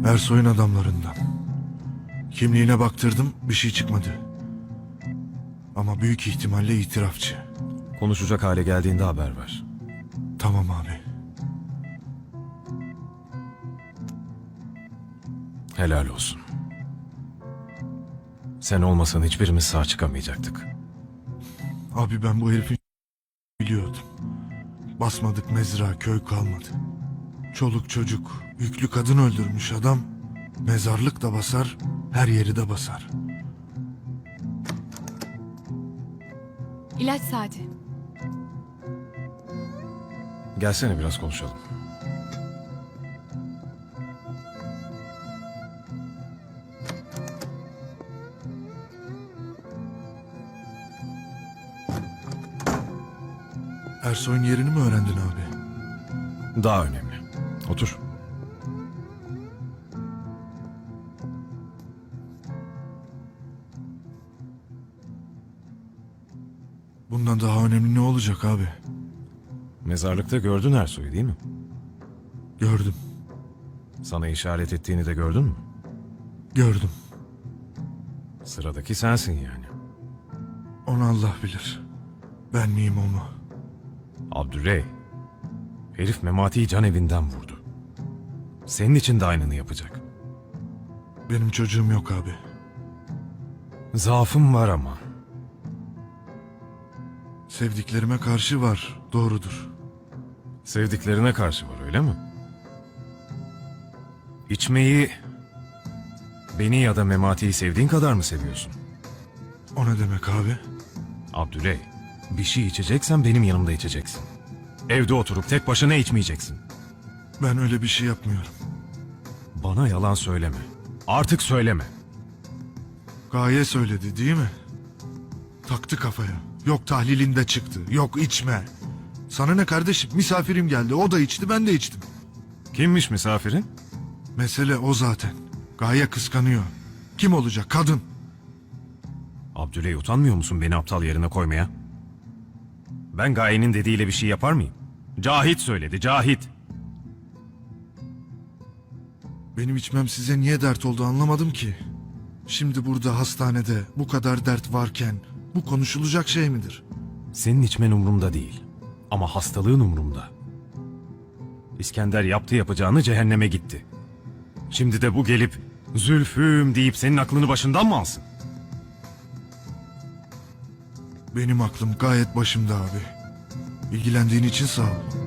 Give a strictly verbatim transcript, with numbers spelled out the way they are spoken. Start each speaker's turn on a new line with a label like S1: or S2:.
S1: Ersoy'un adamlarından. Kimliğine baktırdım, bir şey çıkmadı. Ama büyük ihtimalle itirafçı.
S2: Konuşacak hale geldiğinde haber ver.
S1: Tamam abi.
S2: Helal olsun. Sen olmasan hiçbirimiz sağ çıkamayacaktık.
S1: Abi ben bu herifi biliyordum. Basmadık mezra, köy kalmadı. Çoluk çocuk, yüklü kadın öldürmüş adam. Mezarlık da basar, her yeri de basar.
S3: İlaç saati.
S2: Gelsene biraz konuşalım.
S1: Ersoy'un yerini mi öğrendin abi?
S2: Daha önemli. Otur.
S1: Bundan daha önemli ne olacak abi?
S2: Mezarlıkta gördün Ersoy'u değil mi?
S1: Gördüm,
S2: Sana işaret ettiğini de gördün mü?
S1: gördüm.
S2: Sıradaki sensin yani.
S1: Onu Allah bilir. Ben miyim o mu?
S2: Abdüley. Herif Memati'yi can evinden vurdu. Senin için de aynını yapacak.
S1: Benim çocuğum yok abi.
S2: Zaafım var ama.
S1: Sevdiklerime karşı var, doğrudur.
S2: Sevdiklerine karşı var öyle mi? İçmeyi beni ya da Memati'yi sevdiğin kadar mı seviyorsun?
S1: O ne demek abi?
S2: Abdüley, bir şey içeceksen benim yanımda içeceksin. Evde oturup tek başına içmeyeceksin.
S1: Ben öyle bir şey yapmıyorum.
S2: Bana yalan söyleme. Artık söyleme.
S1: Gaye söyledi değil mi? Taktı kafaya. Yok tahlilinde çıktı. Yok içme. Sana ne kardeşim? Misafirim geldi. O da içti, ben de içtim.
S2: Kimmiş misafirin?
S1: Mesele o zaten. Gaye kıskanıyor. Kim olacak? Kadın.
S2: Abdüley, utanmıyor musun beni aptal yerine koymaya? Ben Gaye'nin dediğiyle bir şey yapar mıyım? Cahit söyledi, Cahit.
S1: Benim içmem size niye dert oldu anlamadım ki. Şimdi burada hastanede bu kadar dert varken bu konuşulacak şey midir?
S2: Senin içmen umurumda değil. Ama hastalığın umurumda. İskender yaptı yapacağını cehenneme gitti. Şimdi de bu gelip Zülfüm deyip senin aklını başından mı alsın?
S1: Benim aklım gayet başımda abi. İlgilendiğin için sağ ol.